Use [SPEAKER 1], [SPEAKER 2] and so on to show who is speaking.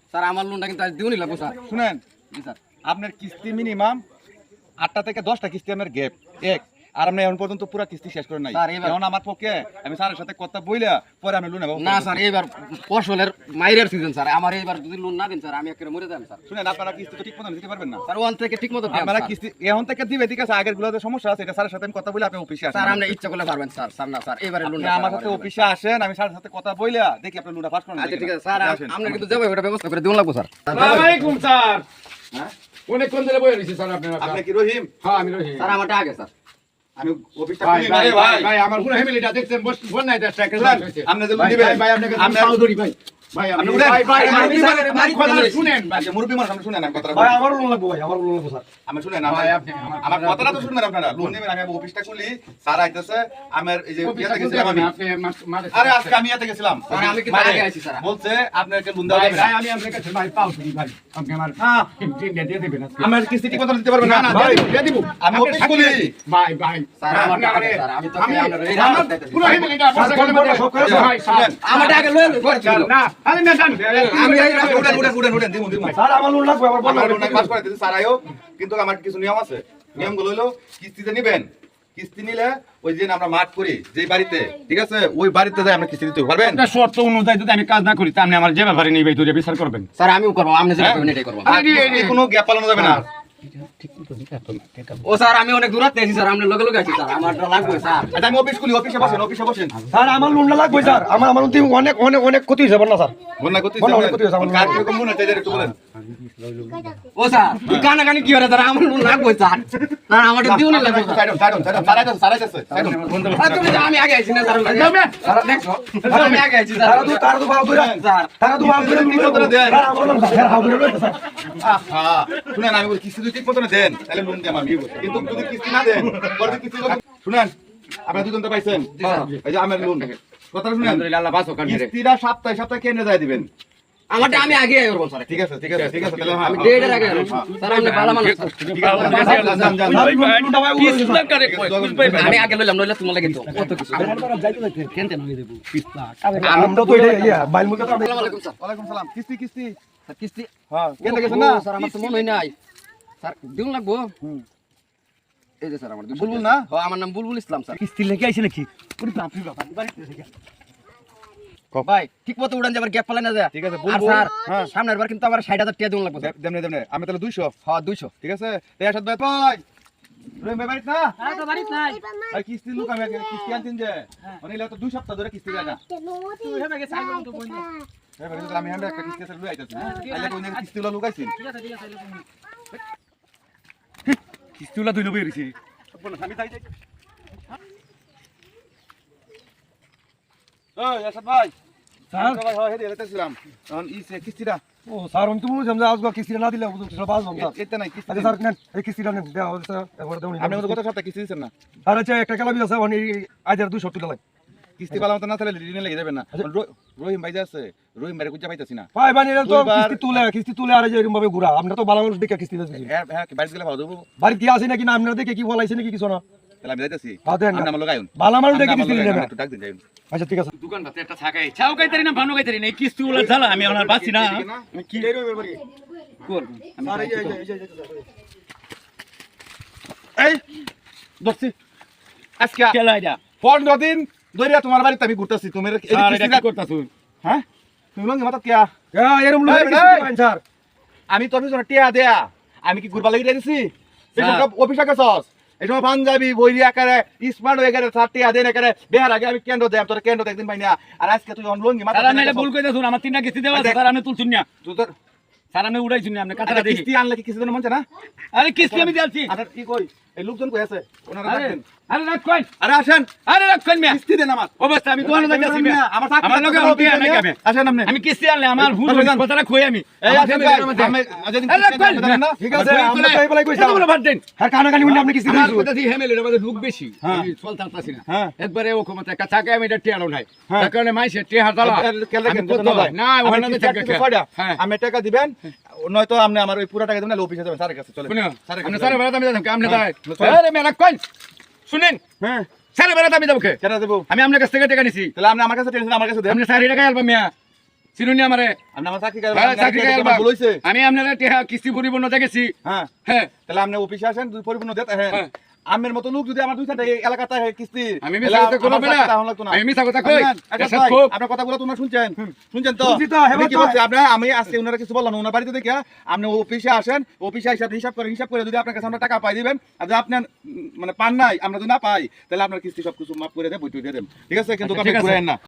[SPEAKER 1] Sir আমার লোনটা কিন্তু আজ দিউনি লাগবো স্যার।
[SPEAKER 2] শুনেন,
[SPEAKER 1] জি স্যার।
[SPEAKER 2] আপনার কিস্তি মিনিমাম 8টা থেকে 10টা কিস্তি আমার গ্যাপ এক, আর আপনি এখন পর্যন্ত পুরো কিস্তি শেষ করে নাই।
[SPEAKER 1] স্যার, এবার-
[SPEAKER 2] এখন আমার পক্ষে আমি স্যারের সাথে কথা বইলা পরে আমি লোন নেব।
[SPEAKER 1] না স্যার, এইবার ফসলের মাইরের সিজন স্যার, আমার এইবার যদি লোন না দিন স্যার আমি একেবারে মরে যাবেন স্যার।
[SPEAKER 2] শুনেন, আপনারা কিস্তি তো ঠিক মতো দিতে পারবেন না।
[SPEAKER 1] স্যার ওয়ান থেকে ঠিক মতো দেন
[SPEAKER 2] আপনারা
[SPEAKER 1] স্যার।
[SPEAKER 2] কিস্তি এখন থেকে দিবে, ঠিক আছে? আগের গুলোতে সমস্যা আছে, এটা স্যারের সাথে আমি কথা বলে আপনি অফিসে আসেন।
[SPEAKER 1] স্যার আপনি ইচ্ছা করলে পারবেন স্যার। স্যার না স্যার, এবারে লোন
[SPEAKER 2] আপনি আমার সাথে অফিসে আসেন, আমি স্যারের সাথে কথা বইলা দেখি আপনি লোনটা পাস করেন।
[SPEAKER 1] আচ্ছা ঠিক আছে স্যার, আপনি কিন্তু যাবে ওটা ব্যবস্থা করে দিউন লাগবো স্যার।
[SPEAKER 3] আসসালামু আলাইকুম স্যার।
[SPEAKER 2] হ্যাঁ,
[SPEAKER 3] অনেকক্ষণ ধরে বসে রয়েছি স্যার আপনার।
[SPEAKER 2] আপনি কি রহিম?
[SPEAKER 3] হ্যাঁ আমি রহিম।
[SPEAKER 1] স্যার আমারটা আগে স্যার।
[SPEAKER 2] আমি অফিসটা
[SPEAKER 3] ভাই
[SPEAKER 2] খুলি না
[SPEAKER 3] ভাই
[SPEAKER 2] রে ভাই।
[SPEAKER 3] ভাই আমার পুরো ফ্যামিলিটা দেখছেন বল নাই দেশ টাকা
[SPEAKER 2] শুনেন, আপনি যে লোন দিবেন,
[SPEAKER 3] ভাই আপনাকে
[SPEAKER 2] আপনার-
[SPEAKER 3] সাউদরি ভাই ভাই
[SPEAKER 2] আপনি
[SPEAKER 3] আপনি
[SPEAKER 2] উঠেন।
[SPEAKER 3] ভাই ভাই
[SPEAKER 2] আমি
[SPEAKER 3] আমি
[SPEAKER 2] স্যারের বাড়ি
[SPEAKER 3] কথা
[SPEAKER 2] চলে
[SPEAKER 3] শুনেন ভাই।
[SPEAKER 2] আচ্ছা, মুরব্বি মানুষ, আপনি শুনেন আমি কথাটা
[SPEAKER 4] ভাই
[SPEAKER 2] বলি।
[SPEAKER 4] আমারও লোন লাগবো ভাই, আমারও লোন লাগবো স্যার।
[SPEAKER 2] আমি শুনেন,
[SPEAKER 3] ভাই, আপনি
[SPEAKER 2] আমার কথাটা তো শুনবেন আপনারা। লোন নেবেন, আমি অফিসটা খুলি, স্যার আইতেছে, আমার এই যে
[SPEAKER 3] অফিসে
[SPEAKER 2] ইয়াতে গেছিলাম আমি।
[SPEAKER 3] আপনি মাঝে
[SPEAKER 2] আরে আজকে আমি ইয়াতে গেছিলাম,
[SPEAKER 1] স্যার, আমি কিন্তু
[SPEAKER 2] মানে
[SPEAKER 1] আগে আইছি, স্যার।
[SPEAKER 2] বলছে আপনাকে লোন দেওয়া
[SPEAKER 3] ভাই
[SPEAKER 2] যাবে
[SPEAKER 3] ভাই
[SPEAKER 2] না।
[SPEAKER 3] আমি আপনার কাছে ভাই পাও দিই ভাই আপনি আমার
[SPEAKER 2] হ্যাঁ,
[SPEAKER 3] চিন্তা দিয়ে দিবেন আজকে।
[SPEAKER 2] আমার কিস্তি ঠিক মতো দিতে পারবেন
[SPEAKER 3] না
[SPEAKER 2] না
[SPEAKER 3] না
[SPEAKER 2] ভাই।
[SPEAKER 3] দিয়ে দিব
[SPEAKER 2] আমি
[SPEAKER 3] আপনি
[SPEAKER 2] অফিস
[SPEAKER 3] থাকেন।
[SPEAKER 2] খুলি।
[SPEAKER 3] ভাই ভাই
[SPEAKER 1] স্যার আমারটা আগে স্যার, আমি তো আপনার এই
[SPEAKER 3] আমার
[SPEAKER 1] রাস্তা
[SPEAKER 3] পুরো ফ্যামিলিটা বসে
[SPEAKER 4] কোন কোন সব করে
[SPEAKER 3] ভাই স্যার
[SPEAKER 1] আমারটা আগে লয়ে করে
[SPEAKER 3] স্যার, না আরে না জান
[SPEAKER 1] আমি এই
[SPEAKER 2] উঠেন, দিমু।
[SPEAKER 4] স্যার আমার লোন লাগবে, আমার বন্ধ
[SPEAKER 2] আমার লোন পাস করে দিতে স্যার আইও, কিন্তু আমার কিছু নিয়ম আছে। নিয়মগুলো হলো, কিস্তিতে নিবেন, কিস্তি নিলে ওই যে আমরা মাঠ করি যে বাড়িতে, ঠিক আছে, ওই বাড়িতে যাই আমরা কিস্তি দিতে পারবেন।
[SPEAKER 3] একটা শর্ত অনুযায়ী যদি আমি কাজ না করি তা আপনি আমার যে ব্যাপারে নিবে তুই বিচার করবেন।
[SPEAKER 1] স্যার আমিও করবো, আপনি যেটা করবেন এটাই করবো।
[SPEAKER 2] আর কিস্তি কোনো গ্যাপ পালানো যাবে না।
[SPEAKER 1] ও স্যার আমি অনেক দূর আছি স্যার, আপনি লগে লগে আছি স্যার, আমারটা লাগবে স্যার।
[SPEAKER 2] আচ্ছা, আমি অফিস খুলি, অফিসে বসেন, অফিসে বসেন।
[SPEAKER 4] স্যার আমার লোনটা লাগবে স্যার, আমার আমার অনেক অনেক অনেক ক্ষতি হয়েছে বন্যা স্যার।
[SPEAKER 2] বন্যা করতে
[SPEAKER 4] বন্যা করতে হয়েছে আমার।
[SPEAKER 2] কার কিরকম মনে হচ্ছে একটু বলেন।
[SPEAKER 1] ও স্যার তুই কানাকানি কি করে স্যার, আমার লোন লাগবে স্যার। স্যার আমারটা দিউনি লাগবে স্যার।
[SPEAKER 2] সাইডন, সাইডন, সাইডন, সাইডন, সাইডন।
[SPEAKER 1] আর তুমি যে আমি আগে আইছি না স্যার, স্যার দেখছো আমি আগে আইছি স্যার।
[SPEAKER 4] তারা তো ভালো করে
[SPEAKER 1] স্যার
[SPEAKER 4] তারা তো ভালো করে
[SPEAKER 2] ঠিক মতো দেন।
[SPEAKER 4] স্যার আমার লোন স্যার হাউ করে স্যার।
[SPEAKER 2] আহা, শুনেন, আমি বলি কিস্তি যদি ঠিক মতো দেন তাহলে লোন দিয়ে আমি বলি। কিন্তু যদি কিস্তি না দেন, পরে যদি কিস্তি শুনেন, আপনারা দুজন তো পাইছেন, এই যে আমার লোন কথা শুনেন,
[SPEAKER 3] আলহামদুলিল্লাহ আল্লাহ বাঁচো কান্নে রে।
[SPEAKER 2] কিস্তিটা সপ্তাহে সপ্তাহে কেন যায় দিবেন।
[SPEAKER 1] আমারটা আমি আগে আই করব স্যার।
[SPEAKER 2] ঠিক আছে, ঠিক আছে, ঠিক আছে, তাহলে হ্যাঁ,
[SPEAKER 1] আমি ডেটের আগে আইবো। স্যার আপনি ভালো মানুষ স্যার।
[SPEAKER 2] ঠিক আছে, যান, যান, যান।
[SPEAKER 4] লোনটা ভাই
[SPEAKER 1] আমি আগে লইলাম, নইলে তোমার লাগে তো কত কিছু।
[SPEAKER 4] আমরা তো এটা ইয়া বাইল মুখে তো
[SPEAKER 1] আসসালামু আলাইকুম স্যার।
[SPEAKER 2] ওয়ালাইকুম সালাম। কিস্তি, কিস্তি,
[SPEAKER 1] স্যার কিস্তি
[SPEAKER 2] হ্যাঁ, কেন
[SPEAKER 1] ও,
[SPEAKER 2] গেছেন না?
[SPEAKER 1] স্যার আমার তো মনে হয় নাই স্যার, দিউন লাগবো। এই যে স্যার আমার
[SPEAKER 2] বুলবুল না?
[SPEAKER 1] ও আমার নাম বুলবুল ইসলাম স্যার।
[SPEAKER 4] কিস্তি লেগে আইছে নাকি? ওরে বাপ রে বাপ, বাড়িতে থেকে।
[SPEAKER 1] ভাই ঠিক মতো উড়ান যাবার গ্যাপ পালে না যায়।
[SPEAKER 2] ঠিক আছে,
[SPEAKER 1] আর
[SPEAKER 2] বুলবুল।
[SPEAKER 1] স্যার
[SPEAKER 2] হ্যাঁ।
[SPEAKER 1] সামনের বার কিন্তু আমার 60,000 টাকা দিউন লাগবে স্যার।
[SPEAKER 2] দেমনে, দেমনে, আমি তাহলে 200,
[SPEAKER 1] হ্যাঁ 200।
[SPEAKER 2] ঠিক আছে? এরশাদ ভাই, ভাই রহিম ভাই বাড়িতে না?
[SPEAKER 5] তো বাড়িতে নাই।
[SPEAKER 2] আর কিস্তি লোক আমি কিস্তি আনছেন যে, মানে এলা তো 2 সপ্তাহ ধরে কিস্তি দেয় না।
[SPEAKER 5] তুই হেবে গেছে আইবো তো বই না।
[SPEAKER 2] এই বাড়িতে আমি আমরা একটা কিস্তি আছে লই আইতাছি। আইলে কোন কিস্তি গুলো লুকাইছেন।
[SPEAKER 5] ঠিক আছে আইলো তুমি।
[SPEAKER 4] কিস্তিওলা দুই লবে রইছে। আমি তাই যাই।
[SPEAKER 2] ওই এরশাদ ভাই,
[SPEAKER 4] স্যার
[SPEAKER 2] ভাই হয় হেডে যাইতেছিলাম। এখন ইসে কিস্তিটা
[SPEAKER 4] ও স্যার আমি তো বলছিলাম যে আজকে কিস্তিটা না দিলে সব বাজবাম স্যার।
[SPEAKER 2] এতে নাই কিস্তি।
[SPEAKER 4] আচ্ছা স্যার নেন এই কিস্তিটা নেন দেওয়া হবে স্যার একবার দেউনি।
[SPEAKER 2] আপনি গত সপ্তাহে কিস্তি দিছেন না?
[SPEAKER 4] স্যার আচ্ছা একটা কালাবি আছে মানে আইদার 200 টাকা লাগে।
[SPEAKER 2] কিস্তি পালা মত না তাহলে ঋণে লেগে যাবেন না। রহিম ভাই যে আছে, রহিম ভাইরে খুঁজে পাইতাছি না।
[SPEAKER 4] ভাই মানে এটা তো
[SPEAKER 2] দুইবার-
[SPEAKER 4] কিস্তি তুলে আর এই যে এরকম ভাবে ঘুরা আমরা তো ভালো মানুষ দেখে কিস্তি দিতেছি।
[SPEAKER 2] হ্যাঁ, হ্যাঁ, বাড়ি গেলে ভালো দেবো।
[SPEAKER 4] বাড়ি কি আছে নাকি না আপনারা দেখে কি বলাইছে নাকি কিছু না?
[SPEAKER 2] তাহলে আমি যাইতাছি।
[SPEAKER 4] হ্যাঁ, দেন না।
[SPEAKER 2] আপনি আমার লগে আইন।
[SPEAKER 4] ভালো মানুষ দেখে
[SPEAKER 2] আপনি
[SPEAKER 4] কিস্তি
[SPEAKER 2] আমার লগে
[SPEAKER 4] দিবেন।
[SPEAKER 2] আইন, একটু ডাক দিন যাইন।
[SPEAKER 4] আচ্ছা ঠিক আছে।
[SPEAKER 3] দোকান পাতে একটা ছাকাই ছাও কাইতারি না ভানো কাইতারি না এই কিস্তি গুলো ঝালা আমি আমার বাঁচি না আমি কি কোন
[SPEAKER 4] স্যার এই যে
[SPEAKER 2] এই দোস্তি আজকে
[SPEAKER 3] কেলা এটা
[SPEAKER 2] 15 দিন ধরে তোমার বাড়িতে আমি ঘুরতাছি। তুমি এই যে
[SPEAKER 3] আর এটা
[SPEAKER 2] কিস্তিটা
[SPEAKER 3] কি করতাছ
[SPEAKER 2] হ্যাঁ, তুমি লঙ্গি মাথা কিয়া?
[SPEAKER 4] এরকম লোক
[SPEAKER 2] এই,
[SPEAKER 4] কিস্তি
[SPEAKER 2] এই।
[SPEAKER 4] দিবেন স্যার।
[SPEAKER 2] আমি তোর পিছনে টিয়া দেয়া, আমি কি ঘুরবা লাগি দিছি?
[SPEAKER 3] স্যার।
[SPEAKER 2] অফিসে গেছস, এই সময় পাঞ্জাবি বইরি আকারে স্মার্ট হয়ে গেলে সার টিয়া দেন একারে বেহার আগে আমি কেন্দ্র দেয় তোর কেন্দ্র একদিন পাই না। আর আজকে তুই লঙ্গি মাথা
[SPEAKER 3] স্যার আমি ভুল কইতাছুন আমার তিনটা কিস্তি দেওয়া আছে স্যার আপনি তুলছুন না
[SPEAKER 2] তুই তোর
[SPEAKER 3] স্যার আমি উড়াইছুন না আপনি
[SPEAKER 2] আচ্ছা,
[SPEAKER 3] কাটাটা দেখি
[SPEAKER 2] কিস্তি আনলে কি কিস্তি দেন মন চায় না?
[SPEAKER 3] আরে কিস্তি আমি দিয়েছি
[SPEAKER 2] আচ্ছা কি কই, এই লোকজন কই আছে? ওনারা
[SPEAKER 3] আরে
[SPEAKER 2] ডাকবেন।
[SPEAKER 3] আরে রাখ কই
[SPEAKER 2] আরে আসেন,
[SPEAKER 3] আরে রাখ কই মিয়া
[SPEAKER 2] কিস্তি দেন আমার।
[SPEAKER 3] অবস্থা আমি দোকানে যাইতাছি মিয়া
[SPEAKER 2] আমার চাকরি
[SPEAKER 3] আমার লগে
[SPEAKER 2] আছে,
[SPEAKER 3] উঠে আমি কামে
[SPEAKER 2] আসেন আপনি।
[SPEAKER 3] আমি কিস্তি আনলে আমার হুজ
[SPEAKER 2] বসে যান।
[SPEAKER 3] কথাটা কই আমি
[SPEAKER 2] এই
[SPEAKER 3] আমার
[SPEAKER 2] আসেন
[SPEAKER 3] family
[SPEAKER 2] ভাই,
[SPEAKER 3] র মধ্যে।
[SPEAKER 2] আমি যেদিন
[SPEAKER 3] আরে
[SPEAKER 2] কিস্তি
[SPEAKER 3] কই
[SPEAKER 2] দেন না,
[SPEAKER 4] ঠিক আছে আমরা তো এই বলাই কইছি।
[SPEAKER 3] এটা বলে ভাত দেন
[SPEAKER 4] হ্যাঁ কানাকানি উনি আপনি কিস্তি
[SPEAKER 3] আমার
[SPEAKER 4] দিয়েছেন।
[SPEAKER 3] কথা দিয়ে ফ্যামিলির মধ্যে লোক বেশি
[SPEAKER 2] হ্যাঁ।
[SPEAKER 3] আমি চলতে পারতাছি না
[SPEAKER 2] হ্যাঁ।
[SPEAKER 3] একবারে ও ক্ষমতা একটা চাকে আমি এটা টিয়ালো নাই
[SPEAKER 2] হ্যাঁ।
[SPEAKER 3] তার কারণে মাইসে টিয়া হাতালা আমি কত না ওখানে
[SPEAKER 2] আমি
[SPEAKER 3] থাকে হ্যাঁ
[SPEAKER 2] আমি টাকা দিবেন, নয়তো আপনি আমার ওই পুরো টাকা দিবেন, অফিসে যাবেন স্যারের কাছে চলে।
[SPEAKER 3] শুনো
[SPEAKER 2] স্যারের
[SPEAKER 3] আপনি
[SPEAKER 2] কাছে
[SPEAKER 3] স্যারের
[SPEAKER 2] যাবেন।
[SPEAKER 3] বেড়াতে আমি যাচ্ছি আপনি
[SPEAKER 2] হ্যাঁ।
[SPEAKER 3] তাই আরে মেলা কই শুনেন
[SPEAKER 2] হ্যাঁ,
[SPEAKER 3] স্যারের বেড়াতে আমি যাবো
[SPEAKER 2] কেন দেবো?
[SPEAKER 3] আমি আপনার কাছ থেকে টাকা নিছি
[SPEAKER 2] তাহলে আপনি আমার কাছে টেনশন আমার কাছে দেন।
[SPEAKER 3] আপনি স্যার টাকা আলবা মিয়া চিনুনি আমারে
[SPEAKER 2] আপনি আমার চাকরি
[SPEAKER 3] হ্যাঁ, চাকরি
[SPEAKER 2] করেন
[SPEAKER 3] করবা।
[SPEAKER 2] বলেছে
[SPEAKER 3] আমি আপনারা টেহা কিস্তি পরিপূর্ণ দেখেছি
[SPEAKER 2] হ্যাঁ
[SPEAKER 3] হ্যাঁ
[SPEAKER 2] তাহলে আপনি অফিসে আসেন দুই পরিপূর্ণ দেন হ্যাঁ
[SPEAKER 3] হ্যাঁ।
[SPEAKER 2] আমের মতো লোক যদি আমার দুই চারটা এই এলাকাতে কিস্তি
[SPEAKER 3] আমি মিছা কথা কইব না আমি মিছা কথা কই এসব খুব
[SPEAKER 2] আপনার কথাগুলো তোমরা শুনছেন শুনছেন তো
[SPEAKER 4] শুনছি তো,
[SPEAKER 2] আমি কি
[SPEAKER 4] হেবার তো।
[SPEAKER 2] বলছি আপনি আমি আজকে ওনারা কিছু বললাম না ওনার বাড়িতে দেখে আপনি অফিসে আসেন অফিসে হিসাব করে যদি আপনার কাছে আমরা টাকা পাই দিবেন আর যদি আপনার মানে পান নাই আমরা যদি না পাই তাহলে আপনার কিস্তি সবকিছু মাফ করে দেব বইটু দিয়ে দেব ঠিক আছে কিন্তু
[SPEAKER 3] আচ্ছা,
[SPEAKER 2] আপনি
[SPEAKER 3] ঠিক আছে।
[SPEAKER 2] ঘুরেন না